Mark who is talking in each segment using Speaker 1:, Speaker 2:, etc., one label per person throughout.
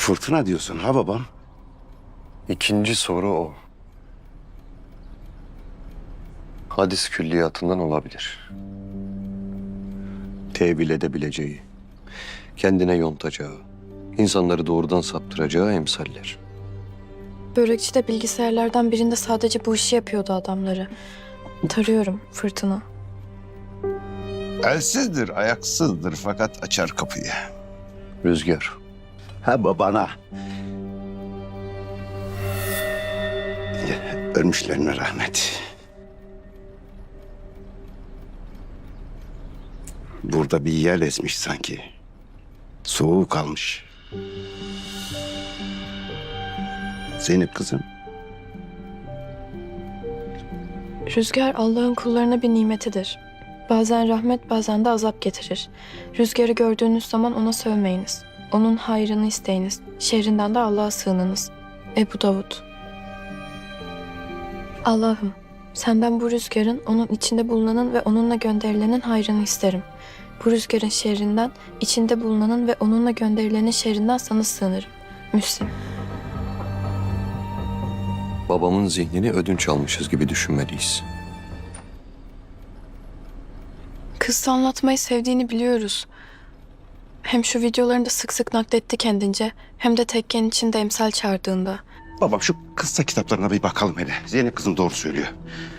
Speaker 1: Fırtına diyorsun ha babam?
Speaker 2: İkinci soru o. Hadis külliyatından olabilir. Tevil edebileceği, kendine yontacağı, insanları doğrudan saptıracağı emsaller.
Speaker 3: Börekçide bilgisayarlardan birinde sadece bu işi yapıyordu adamları. Tarıyorum Fırtına.
Speaker 1: Elsizdir, ayaksızdır fakat açar kapıyı.
Speaker 2: Rüzgar.
Speaker 1: Ha babana. Ölmüşlerine rahmet. Burada bir yer esmiş sanki. Soğuk kalmış. Zeynep kızım.
Speaker 3: Rüzgar Allah'ın kullarına bir nimetidir. Bazen rahmet, bazen de azap getirir. Rüzgarı gördüğünüz zaman ona sövmeyiniz. Onun hayrını isteyiniz. Şerrinden de Allah'a sığınınız. Ebu Davud. Allah'ım, senden bu rüzgarın, onun içinde bulunanın ve onunla gönderilenin hayrını isterim. Bu rüzgarın şerrinden, içinde bulunanın ve onunla gönderilenin şerrinden sana sığınırım. Müslim.
Speaker 2: Babamın zihnini ödünç almışız gibi düşünmeliyiz.
Speaker 3: Kız anlatmayı sevdiğini biliyoruz. Hem şu videolarında sık sık nakletti kendince, hem de tekken içinde emsal çağırdığında.
Speaker 1: Babam şu kıssa kitaplarına bir bakalım hele. Zeynep kızım doğru söylüyor.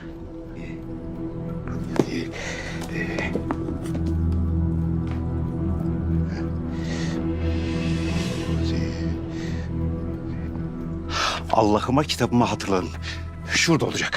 Speaker 1: Allah'ıma kitabımı hatırladım. Şurada olacak.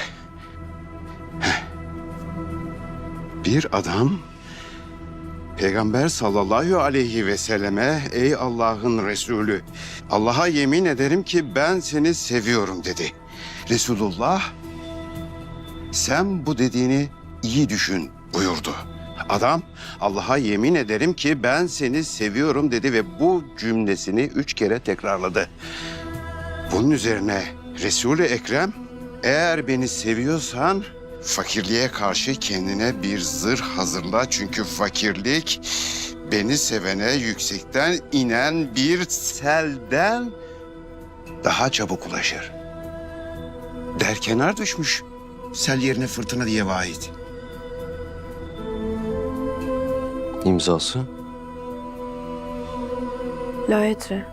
Speaker 1: Bir adam Peygamber sallallahu aleyhi ve selleme ey Allah'ın Resulü Allah'a yemin ederim ki ben seni seviyorum dedi. Resulullah sen bu dediğini iyi düşün buyurdu. Adam Allah'a yemin ederim ki ben seni seviyorum dedi ve bu cümlesini 3 kere tekrarladı. Bunun üzerine Resul-i Ekrem eğer beni seviyorsan fakirliğe karşı kendine bir zırh hazırla. Çünkü fakirlik beni sevene yüksekten inen bir selden daha çabuk ulaşır. Derkenar düşmüş. Sel yerine fırtına diye vahid.
Speaker 2: İmzası?
Speaker 3: La edri.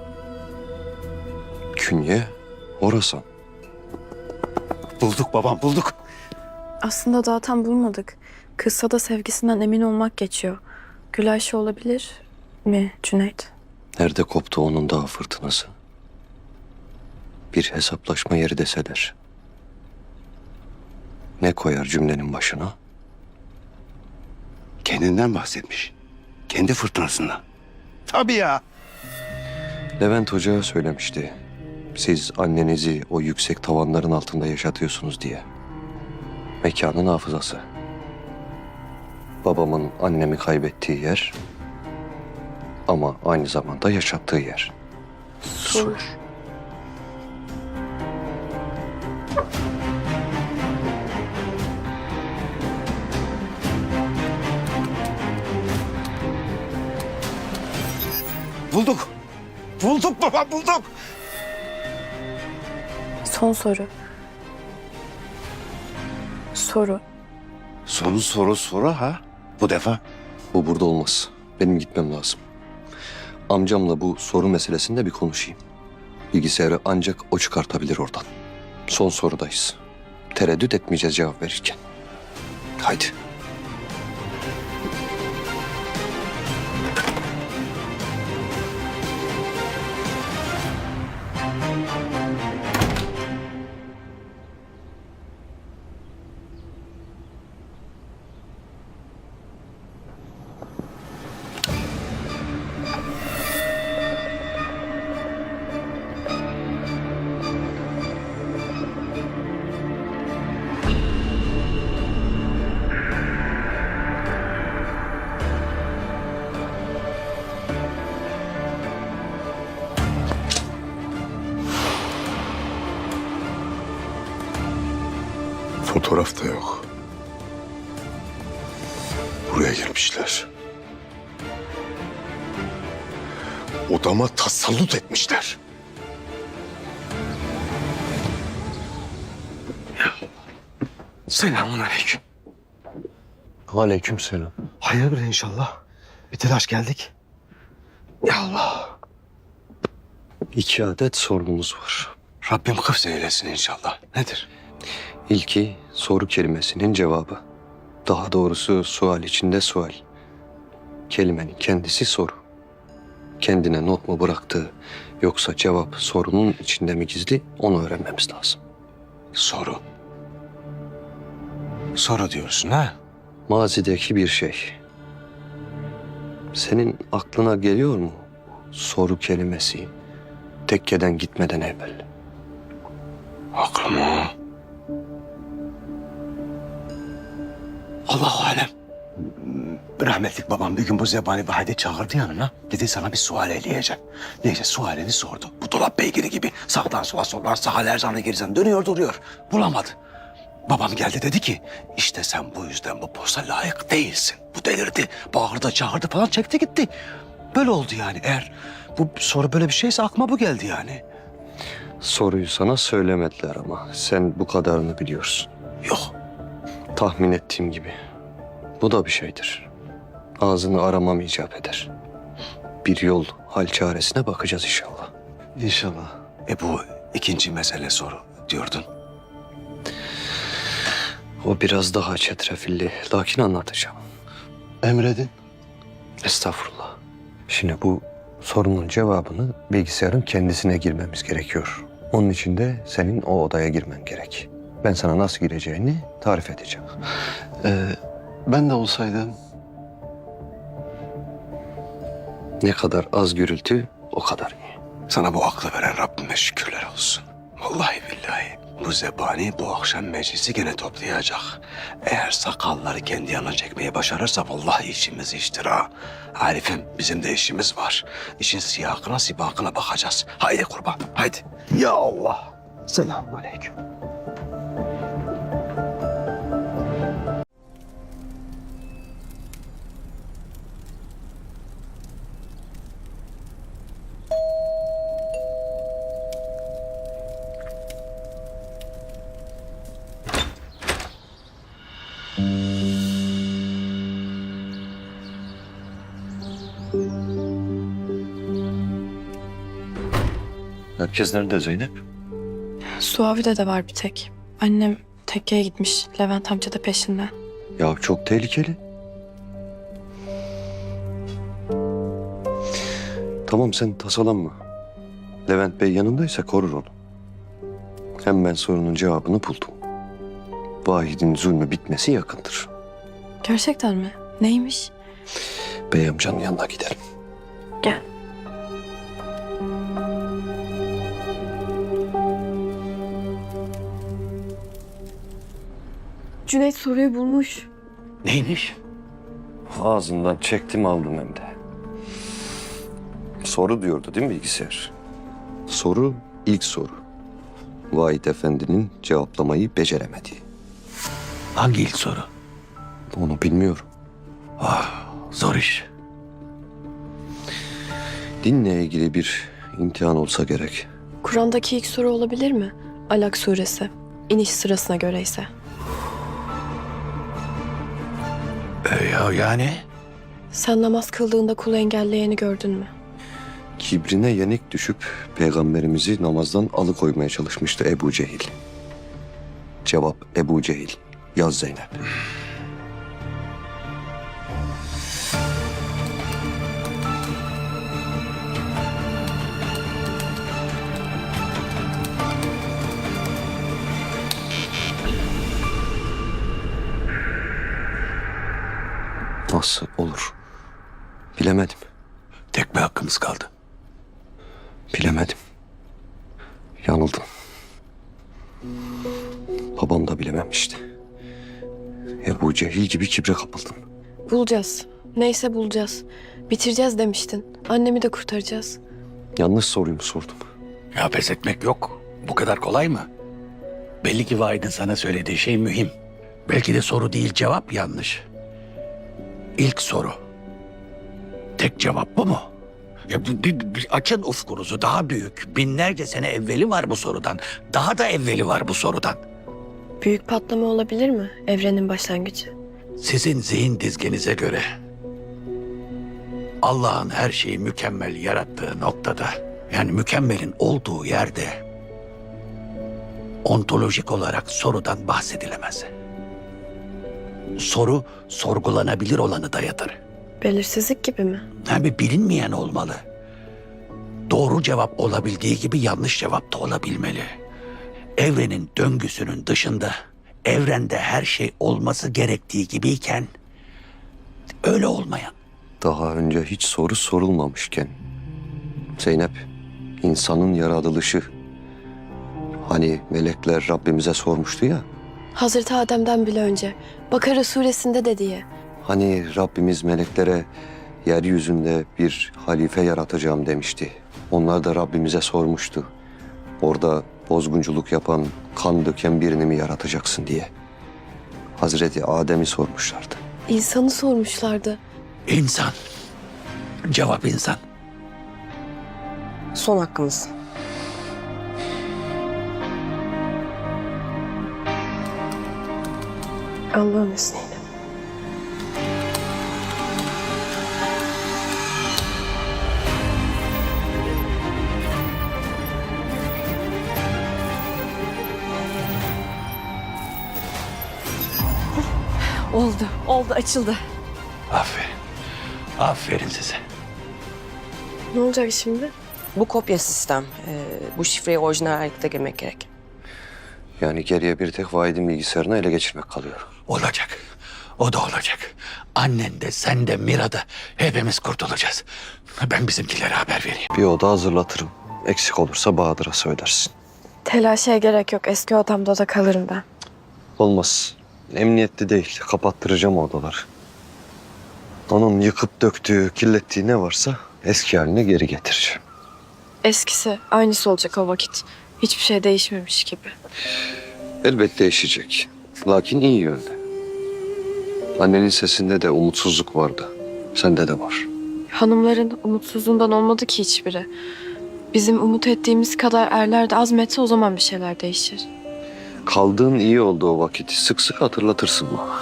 Speaker 2: Künye, Horasan.
Speaker 1: Bulduk babam bulduk.
Speaker 3: Aslında daha tam bulmadık. Kıssada sevgisinden emin olmak geçiyor. Gülayşe olabilir mi Cüneyt?
Speaker 2: Nerede koptu onun dağ fırtınası? Bir hesaplaşma yeri deseler. Ne koyar cümlenin başına?
Speaker 1: Kendinden bahsetmiş. Kendi fırtınasından. Tabii ya.
Speaker 2: Levent Hoca söylemişti. Siz annenizi o yüksek tavanların altında yaşatıyorsunuz diye. Mekanın hafızası. Babamın annemi kaybettiği yer ama aynı zamanda yaşattığı yer.
Speaker 3: Sur.
Speaker 1: Bulduk. Bulduk baba bulduk.
Speaker 3: Son soru. Soru.
Speaker 1: Son soru ha? Bu defa.
Speaker 2: Bu burada olmaz. Benim gitmem lazım. Amcamla bu soru meselesinde bir konuşayım. Bilgisayarı ancak o çıkartabilir oradan. Son sorudayız. Tereddüt etmeyeceğiz cevap verirken. Haydi.
Speaker 4: Fotoğraf da yok. Buraya girmişler. Odama tasallut etmişler.
Speaker 5: Selamünaleyküm.
Speaker 2: Aleykümselam.
Speaker 5: Hayırdır inşallah. Bir telaş geldik. Ya Allah.
Speaker 2: 2 adet sorunumuz var.
Speaker 5: Rabbim hıfz eylesin inşallah. Nedir?
Speaker 2: İlki soru kelimesinin cevabı. Daha doğrusu sual içinde sual. Kelimenin kendisi soru. Kendine not mu bıraktığı yoksa cevap sorunun içinde mi gizli onu öğrenmemiz lazım.
Speaker 5: Soru. Soru diyorsun ha?
Speaker 2: Mazideki bir şey. Senin aklına geliyor mu soru kelimesi tekkeden gitmeden evvel?
Speaker 5: Aklıma. Allahu alem. Rahmetlik babam bir gün bu zebani Vahid'i çağırdı yanına. Dedi sana bir sual eleyeceğim. Neyse sualini sordu. Bu dolap beygiri gibi sağdan sola soldan sağa erzana girizan dönüyor duruyor. Bulamadı. Babam geldi dedi ki işte sen bu yüzden bu posta layık değilsin. Bu delirdi. Bağırdı çağırdı falan çekti gitti. Böyle oldu yani. Eğer bu soru böyle bir şeyse aklıma bu geldi yani.
Speaker 2: Soruyu sana söylemediler ama sen bu kadarını biliyorsun.
Speaker 5: Yok.
Speaker 2: Tahmin ettiğim gibi. Bu da bir şeydir. Ağzını aramam icap eder. Bir yol, hal çaresine bakacağız inşallah.
Speaker 5: İnşallah. Bu ikinci mesele soru diyordun.
Speaker 2: O biraz daha çetrefilli, lakin anlatacağım.
Speaker 5: Emredin.
Speaker 2: Estağfurullah. Şimdi bu sorunun cevabını bilgisayarın kendisine girmemiz gerekiyor. Onun için de senin o odaya girmen gerek. Ben sana nasıl gireceğini tarif edeceğim.
Speaker 5: Ben de olsaydım.
Speaker 2: Ne kadar az gürültü o kadar iyi.
Speaker 5: Sana bu aklı veren Rabbime şükürler olsun. Vallahi billahi bu zebani bu akşam meclisi gene toplayacak. Eğer sakalları kendi yanına çekmeyi başarırsa vallahi işimiz iştir ha. Arif'im bizim de işimiz var. İşin siyakına sibakına bakacağız. Haydi kurban haydi. Ya Allah. Selamünaleyküm.
Speaker 2: Herkes nerede Zeynep?
Speaker 3: Suavi'de de var bir tek. Annem tekkeye gitmiş. Levent amca da peşinden.
Speaker 2: Ya çok tehlikeli. Tamam sen tasalanma. Levent Bey yanındaysa korur onu. Hem ben sorunun cevabını buldum. Vahid'in zulmü bitmesi yakındır.
Speaker 3: Gerçekten mi? Neymiş?
Speaker 2: Bey amcanın yanına gidelim.
Speaker 3: Gel. Cüneyt soruyu bulmuş.
Speaker 5: Neymiş?
Speaker 2: Ağzından çektim aldım hem de. Soru diyordu değil mi bilgisayar? Soru ilk soru. Vahid Efendi'nin cevaplamayı beceremediği.
Speaker 5: Hangi ilk soru?
Speaker 2: Onu bilmiyorum.
Speaker 5: Zor iş.
Speaker 2: Dinle ilgili bir imtihan olsa gerek.
Speaker 3: Kur'an'daki ilk soru olabilir mi? Alak suresi. İniş sırasına göre ise.
Speaker 5: Ya yani?
Speaker 3: Sen namaz kıldığında kulu engelleyeni gördün mü?
Speaker 2: Kibrine yenik düşüp peygamberimizi namazdan alıkoymaya çalışmıştı Ebu Cehil. Cevap Ebu Cehil. Yaz Zeynep. Nasıl olur? Bilemedim.
Speaker 5: Tek bir hakkımız kaldı.
Speaker 2: Bilemedim. Yanıldım. Babam da bilememişti. Ebu Cehil gibi kibre kapıldım.
Speaker 3: Bulacağız. Neyse bulacağız. Bitireceğiz demiştin. Annemi de kurtaracağız.
Speaker 2: Yanlış soruyu mu sordum?
Speaker 6: Ya pes etmek yok. Bu kadar kolay mı? Belli ki Vahid'in sana söylediği şey mühim. Belki de soru değil cevap yanlış. İlk soru. Tek cevap bu mu? Ya bir açın ufkunuzu daha büyük. Binlerce sene evveli var bu sorudan. Daha da evveli var bu sorudan.
Speaker 3: Büyük patlama olabilir mi? Evrenin başlangıcı.
Speaker 6: Sizin zihin dizgenize göre Allah'ın her şeyi mükemmel yarattığı noktada, yani mükemmelin olduğu yerde ontolojik olarak sorudan bahsedilemez. Soru sorgulanabilir olanı dayatır.
Speaker 3: Belirsizlik gibi mi?
Speaker 6: Yani bilinmeyen olmalı. Doğru cevap olabildiği gibi yanlış cevap da olabilmeli. Evrenin döngüsünün dışında evrende her şey olması gerektiği gibiyken öyle olmayan.
Speaker 2: Daha önce hiç soru sorulmamışken Zeynep, insanın yaratılışı, hani melekler Rabbimize sormuştu ya,
Speaker 3: Hazreti Adem'den bile önce. Bakara suresinde de diye.
Speaker 2: hani Rabbimiz meleklere yeryüzünde bir halife yaratacağım demişti. Onlar da Rabbimize sormuştu. Orada bozgunculuk yapan, kan döken birini mi yaratacaksın diye. Hazreti Adem'i sormuşlardı.
Speaker 3: İnsanı sormuşlardı.
Speaker 6: İnsan. Cevap insan.
Speaker 7: Son hakkımız.
Speaker 3: Allah'ın izniyle.
Speaker 7: Oldu, açıldı.
Speaker 6: Aferin. Aferin size.
Speaker 3: Ne olacak şimdi?
Speaker 7: Bu kopya sistem. Bu şifreyi orijinal harekete girmek gerek.
Speaker 2: Yani geriye bir tek Vahid'in bilgisayarını ele geçirmek kalıyor.
Speaker 6: Olacak. O da olacak. Annen de sen de Mira da hepimiz kurtulacağız. Ben bizimkilere haber vereyim.
Speaker 2: Bir oda hazırlatırım. Eksik olursa Bahadır'a söylersin.
Speaker 3: Telaşa gerek yok. Eski odamda da kalırım ben.
Speaker 2: Olmaz. Emniyetli değil. Kapattıracağım odaları. Onun yıkıp döktüğü, kirlettiği ne varsa eski haline geri getireceğim.
Speaker 3: Eskisi, aynısı olacak o vakit. Hiçbir şey değişmemiş gibi.
Speaker 2: Elbette değişecek. Lakin iyi yönde. Annenin sesinde de umutsuzluk vardı. Sende de var.
Speaker 3: Hanımların umutsuzluğundan olmadı ki hiçbiri. Bizim umut ettiğimiz kadar erler de azmetse o zaman bir şeyler değişir.
Speaker 2: Kaldığın iyi oldu o vakit. Sık sık hatırlatırsın bana.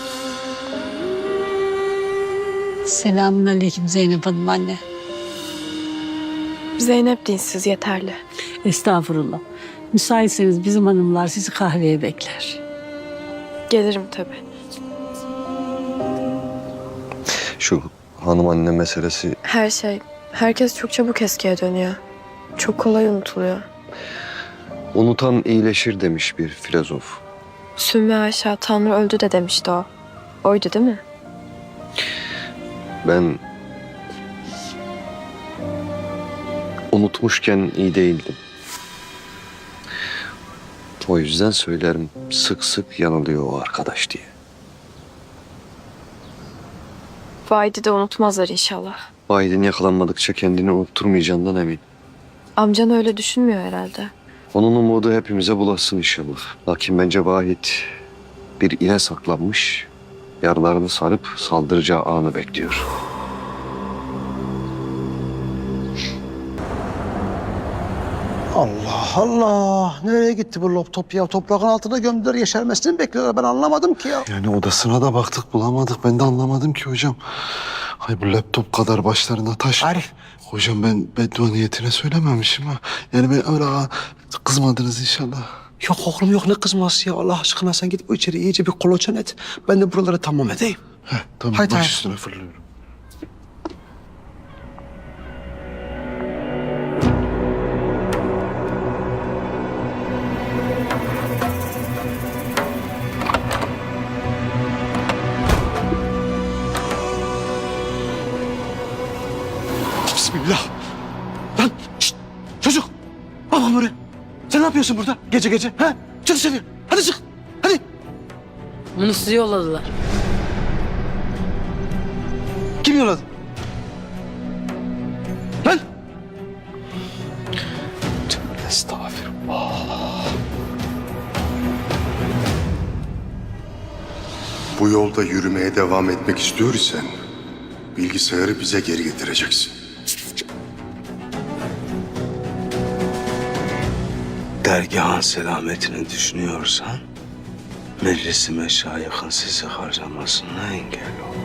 Speaker 8: Selamünaleyküm Zeynep Hanım anne.
Speaker 3: Zeynep dinsiz yeterli.
Speaker 8: Estağfurullah. Müsaitseniz bizim hanımlar sizi kahveye bekler.
Speaker 3: Gelirim tabii.
Speaker 2: Şu hanım anne meselesi
Speaker 3: Her şey, herkes çok çabuk eskiye dönüyor. Çok kolay unutuluyor.
Speaker 2: unutan iyileşir demiş bir filozof.
Speaker 3: Sümme Ayşe, Tanrı öldü de demişti o. Oydu değil mi?
Speaker 2: Ben unutmuşken iyi değildim. O yüzden söylerim sık sık yanılıyor o arkadaş diye.
Speaker 3: Vahidi de unutmazlar inşallah.
Speaker 2: Vahid'in yakalanmadıkça kendini unutturmayacağından emin.
Speaker 3: Amcan öyle düşünmüyor herhalde.
Speaker 2: Onun umudu hepimize bulaşsın inşallah. Lakin bence Vahid bir ile saklanmış, yaralarını sarıp saldıracağı anı bekliyor.
Speaker 5: Allah Allah. Nereye gitti bu laptop ya? Toprağın altına gömdüler, yeşermesini mi bekliyorlar? Ben anlamadım ki ya.
Speaker 4: Yani odasına da baktık bulamadık. Ben de anlamadım ki hocam. Hay bu laptop kadar başlarına taş.
Speaker 5: Arif.
Speaker 4: Hocam ben beddua niyetine söylememişim ha. Yani ben öyle kızmadınız inşallah.
Speaker 5: Yok oğlum yok, ne kızması ya? Allah aşkına sen git bu içeri iyice bir kolaçan et. Ben de buraları tamam edeyim.
Speaker 4: Heh, tamam
Speaker 5: Haydi,
Speaker 4: baş
Speaker 5: haydi.
Speaker 4: üstüne fırlıyorum.
Speaker 5: Bismillah. Lan şşt, çocuk. Bak bak buraya. Sen ne yapıyorsun burada gece gece? Ha? Çık dışarı. Hadi çık. Hadi.
Speaker 8: Bunu size yolladılar.
Speaker 5: Kim yolladı? Lan. Tövbe estağfirullah.
Speaker 4: Bu yolda yürümeye devam etmek istiyor isen bilgisayarı bize geri getireceksin.
Speaker 5: Dergahın selametini düşünüyorsan Meclisi meşayihın sizi harcamasına engel ol.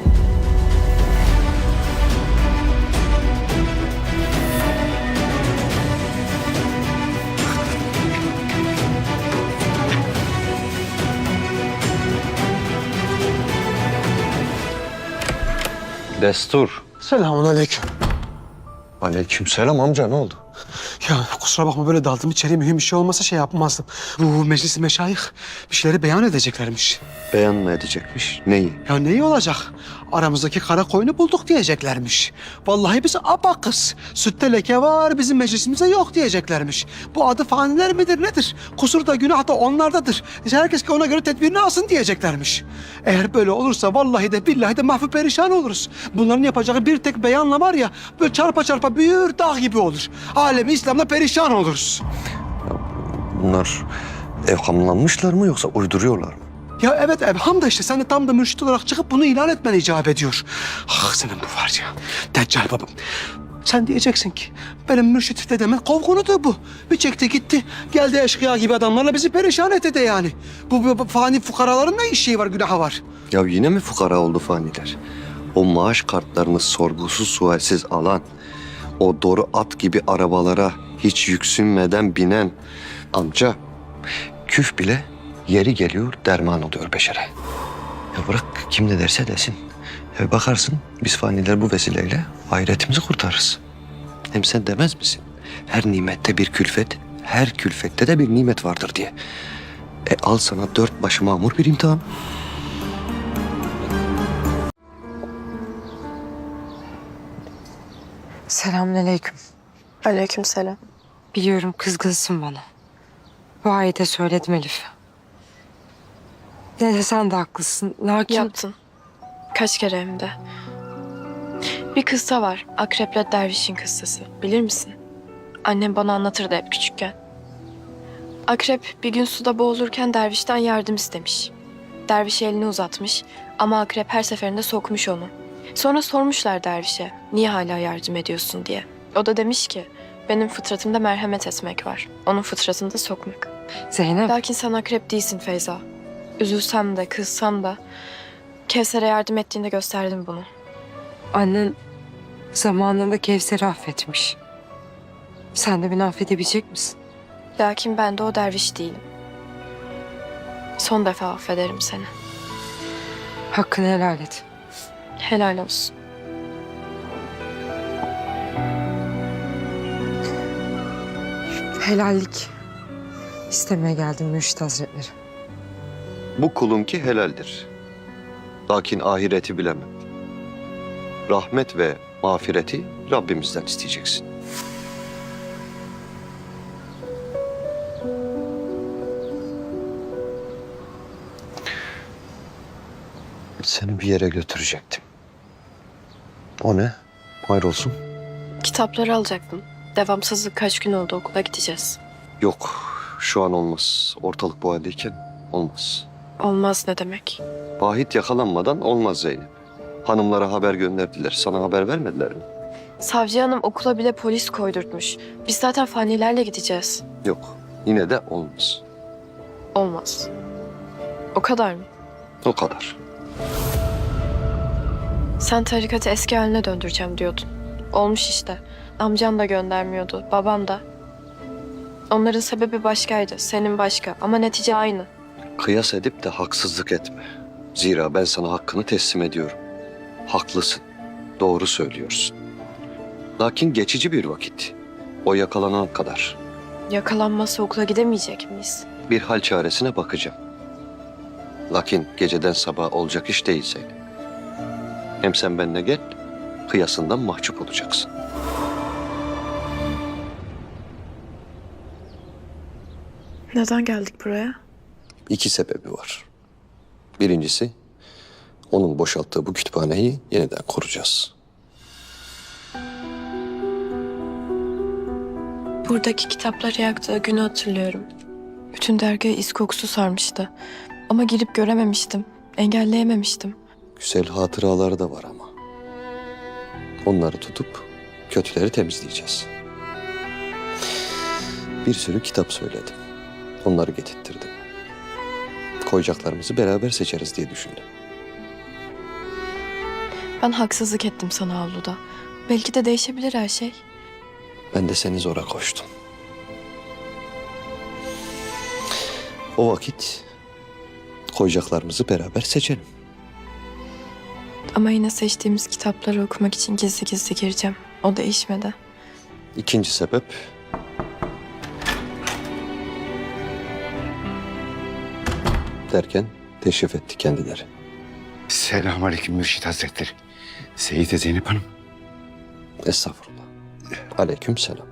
Speaker 2: Destur.
Speaker 9: Selamun aleyküm.
Speaker 2: Aleykümselam amca, ne oldu?
Speaker 9: Ya kusura bakma böyle daldım içeri, mühim bir şey olmasa şey yapmazdım. Bu meclis meşayih bir şeyleri beyan edeceklermiş.
Speaker 2: Beyan mı edecekmiş? Neyi?
Speaker 9: Ya neyi olacak? Aramızdaki kara koyunu bulduk diyeceklermiş. Vallahi biz abakız. Sütte leke var, bizim meclisimize yok diyeceklermiş. Bu adı faniler midir nedir? Kusur da günah da onlardadır. Herkes ki ona göre tedbirini alsın diyeceklermiş. Eğer böyle olursa vallahi de billahi de mahvü perişan oluruz. Bunların yapacağı bir tek beyanla var ya, böyle çarpa çarpa büyür dağ gibi olur. Alemi İslam'da perişan oluruz.
Speaker 2: Bunlar evhamlanmışlar mı yoksa uyduruyorlar mı?
Speaker 9: Ya evet Evham da işte sen de tam da mürşit olarak çıkıp bunu ilan etmen icap ediyor. Ah senin bu var ya. Deccal babam. Sen diyeceksin ki benim mürşit dedemin kovgunudur bu. Bir çekti gitti. Geldi eşkıya gibi adamlarla bizi perişan etti de yani. Bu fani fukaraların ne işi var, günahı var.
Speaker 2: Ya yine mi fukara oldu faniler? O maaş kartlarını sorgusuz sualsiz alan, o doğru at gibi arabalara hiç yüksünmeden binen amca, küf bile yeri geliyor derman oluyor beşere. Ya bırak kim ne derse desin. Ya bakarsın biz faniler bu vesileyle ahiretimizi kurtarırız. Hem sen demez misin? Her nimette bir külfet, her külfette de bir nimet vardır diye. Al sana 4 başı mamur bir imtihan.
Speaker 7: Selamünaleyküm.
Speaker 3: Aleykümselam.
Speaker 7: Biliyorum kızgınsın bana. Bu ayete söyledim Elif. Ne de sen de haklısın. Lakin
Speaker 3: Yaptın. Kaç kere hem de. Bir kıssa var. Akreple dervişin kıssası. Bilir misin? Annem bana anlatırdı hep küçükken. Akrep bir gün suda boğulurken dervişten yardım istemiş. Derviş elini uzatmış ama akrep her seferinde sokmuş onu. Sonra sormuşlar dervişe, niye hala yardım ediyorsun diye. O da demiş ki, benim fıtratımda merhamet etmek var. Onun fıtratında sokmak.
Speaker 7: Zeynep,
Speaker 3: Lakin sen akrep değilsin Feyza. Üzülsem de, kızsam da Kevser'e yardım ettiğinde gösterdim bunu.
Speaker 7: annen zamanında Kevser'i affetmiş. Sen de beni affedebilecek misin?
Speaker 3: Lakin ben de o derviş değilim. Son defa affederim seni.
Speaker 7: Hakkını helal et.
Speaker 3: Helal olsun.
Speaker 7: Helallik istemeye geldim Mürşit Hazretleri.
Speaker 2: Bu kulunki helaldir. Lakin ahireti bilemem. Rahmet ve mağfireti Rabbimizden isteyeceksin. Seni bir yere götürecektim. O ne? Hayrolsun.
Speaker 3: Kitapları alacaktım. Devamsızlık kaç gün oldu, okula gideceğiz.
Speaker 2: Yok, şu an olmaz. Ortalık bu haldeyken olmaz.
Speaker 3: Olmaz ne demek?
Speaker 2: Vahit yakalanmadan olmaz Zeynep. Hanımlara haber gönderdiler. Sana haber vermediler mi?
Speaker 3: Savcı hanım okula bile polis koydurtmuş. Biz zaten fanilerle gideceğiz.
Speaker 2: Yok, yine de olmaz.
Speaker 3: Olmaz. O kadar mı?
Speaker 2: O kadar.
Speaker 3: Sen tarikatı eski haline döndüreceğim diyordun. Olmuş işte. Amcan da göndermiyordu, babam da. Onların sebebi başkaydı, senin başka ama netice aynı.
Speaker 2: Kıyas edip de haksızlık etme. Zira ben sana hakkını teslim ediyorum. Haklısın, doğru söylüyorsun. Lakin geçici bir vakit. O yakalanan kadar.
Speaker 3: Yakalanmazsa okula gidemeyecek miyiz?
Speaker 2: Bir hal çaresine bakacağım. Lakin geceden sabah olacak iş değil Zeynep. Hem sen benimle gel, kıyasından mahcup olacaksın.
Speaker 3: Neden geldik buraya?
Speaker 2: 2 sebebi var. Birincisi, onun boşalttığı bu kütüphaneyi yeniden kuracağız.
Speaker 3: Buradaki kitapları yaktığı günü hatırlıyorum. Bütün dergiye is kokusu sarmıştı. Ama girip görememiştim. Engelleyememiştim.
Speaker 2: Güzel hatıraları da var ama. Onları tutup kötüleri temizleyeceğiz. Bir sürü kitap söyledim. Onları getirttirdim. Koyacaklarımızı beraber seçeriz diye düşündüm.
Speaker 3: Ben haksızlık ettim sana avluda. Belki de değişebilir her şey.
Speaker 2: Ben de seni zora koştum. O vakit koyacaklarımızı beraber seçelim.
Speaker 3: Ama yine seçtiğimiz kitapları okumak için gizli gizli gireceğim. O değişmedi.
Speaker 2: İkinci sebep derken teşrif etti kendileri.
Speaker 1: Selamünaleyküm Mürşit Hazretleri. Seyite Zeynep Hanım.
Speaker 2: Estağfurullah. Aleyküm selam.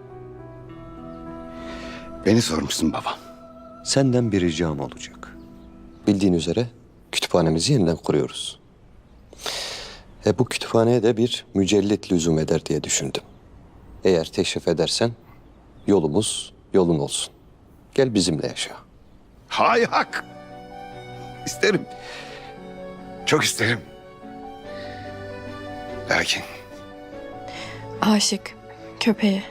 Speaker 1: Beni sormuşsun babam.
Speaker 2: Senden bir ricam olacak. Bildiğin üzere kütüphanemizi yeniden kuruyoruz. Bu kütüphaneye de bir mücellit lüzum eder diye düşündüm. Eğer teşrif edersen yolumuz yolun olsun. Gel bizimle yaşa.
Speaker 1: Hay hak. İsterim. Çok isterim. Lakin
Speaker 3: Aşık, köpeği.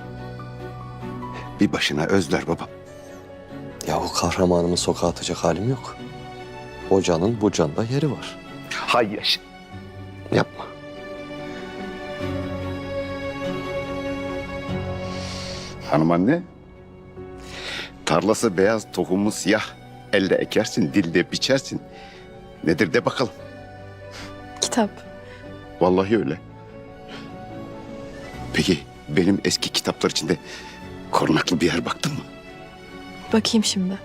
Speaker 1: bir başına özler babam.
Speaker 2: Ya o kahramanımı sokağa atacak halim yok. O canın bu canda yeri var.
Speaker 1: Hay yaşa.
Speaker 2: Yapma.
Speaker 1: Hanım anne. Tarlası beyaz, tohumu siyah. Elle ekersin, dilde biçersin. Nedir de bakalım.
Speaker 3: Kitap.
Speaker 1: Vallahi öyle. Peki benim eski kitaplar içinde korunaklı bir yer baktın mı?
Speaker 3: Bakayım şimdi.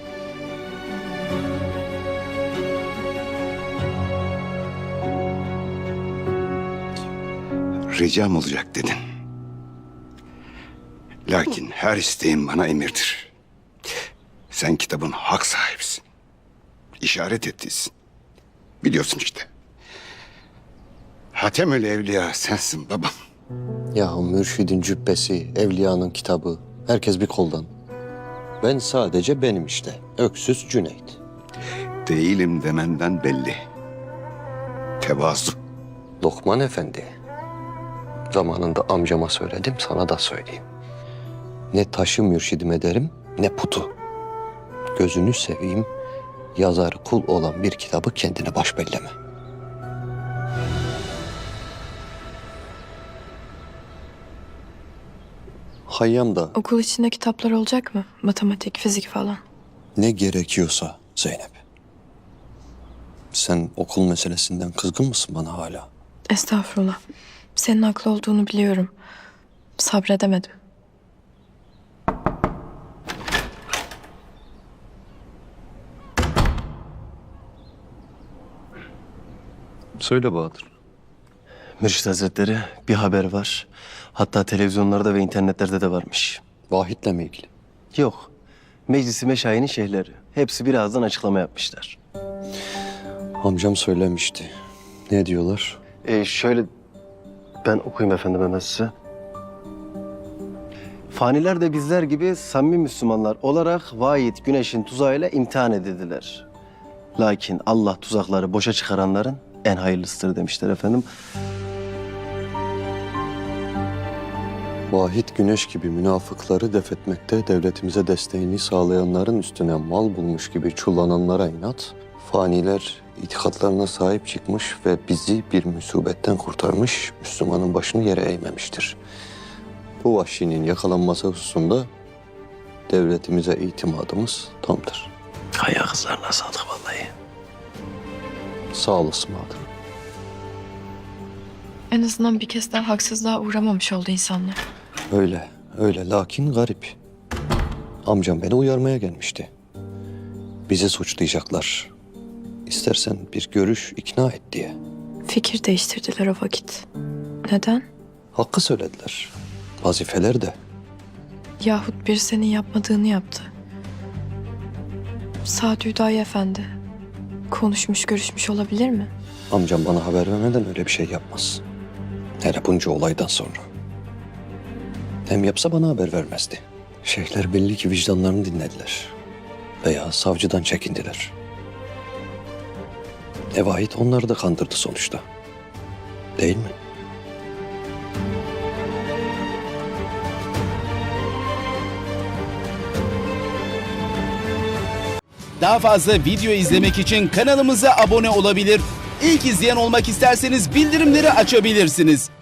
Speaker 1: Ricam olacak dedin. Lakin her isteğin bana emirdir. Sen kitabın hak sahibisin. İşaret ettiysin. Biliyorsun işte. Hatemül Evliya sensin babam.
Speaker 2: Ya mürşidin cübbesi, evliyanın kitabı, herkes bir koldan. Ben sadece benim işte, öksüz Cüneyt.
Speaker 1: Değilim demenden belli. Tevazu.
Speaker 2: Lokman Efendi. Zamanında amcama söyledim, sana da söyleyeyim. Ne taşı mürşidim ederim, ne putu. Gözünü seveyim, yazar kul olan bir kitabı kendine baş belleme. Hayyam da
Speaker 3: Okul içinde kitaplar olacak mı? Matematik, fizik falan.
Speaker 2: ne gerekiyorsa Zeynep. Sen okul meselesinden kızgın mısın bana hala?
Speaker 3: Estağfurullah. Senin haklı olduğunu biliyorum. Sabredemedim.
Speaker 2: Söyle Bahadır.
Speaker 10: Mürşit Hazretleri bir haber var. Hatta televizyonlarda ve internetlerde de varmış.
Speaker 2: Vahit'le mi ilgili?
Speaker 10: Yok. Meclisi Meşayi'nin şeyhleri. Hepsi birazdan açıklama yapmışlar.
Speaker 2: Amcam söylemişti. Ne diyorlar?
Speaker 10: Şöyle ben okuyayım efendim hemen size. Faniler de bizler gibi samimi Müslümanlar olarak vahid güneşin tuzağıyla imtihan edildiler. Lakin Allah tuzakları boşa çıkaranların en hayırlısıdır demişler efendim.
Speaker 2: Vahit güneş gibi münafıkları def etmekte devletimize desteğini sağlayanların üstüne mal bulmuş gibi çullananlara inat, faniler itikatlarına sahip çıkmış ve bizi bir musibetten kurtarmış, Müslümanın başını yere eğmemiştir. Bu vahşinin yakalanması hususunda devletimize itimadımız tamdır.
Speaker 10: Kaya kızlarına sağlık vallahi.
Speaker 2: Sağ olasın Bahadır.
Speaker 3: En azından bir kez daha haksızlığa uğramamış oldu insanlar.
Speaker 2: Öyle, öyle. Lakin garip. Amcam beni uyarmaya gelmişti. Bizi suçlayacaklar. İstersen bir görüş ikna et diye.
Speaker 3: Fikir değiştirdiler o vakit. Neden?
Speaker 2: Hakkı söylediler. Vazifeler de.
Speaker 3: Yahut bir senin yapmadığını yaptı. Saad Hüdayi Efendi. Konuşmuş, görüşmüş olabilir mi?
Speaker 2: Amcam bana haber vermeden öyle bir şey yapmaz. Hele bunca olaydan sonra. Hem yapsa bana haber vermezdi. Şeyhler belli ki vicdanlarını dinlediler. Veya savcıdan çekindiler. Vahit onları da kandırdı sonuçta. Değil mi?
Speaker 11: Daha fazla video izlemek için kanalımıza abone olabilir. İlk izleyen olmak isterseniz bildirimleri açabilirsiniz.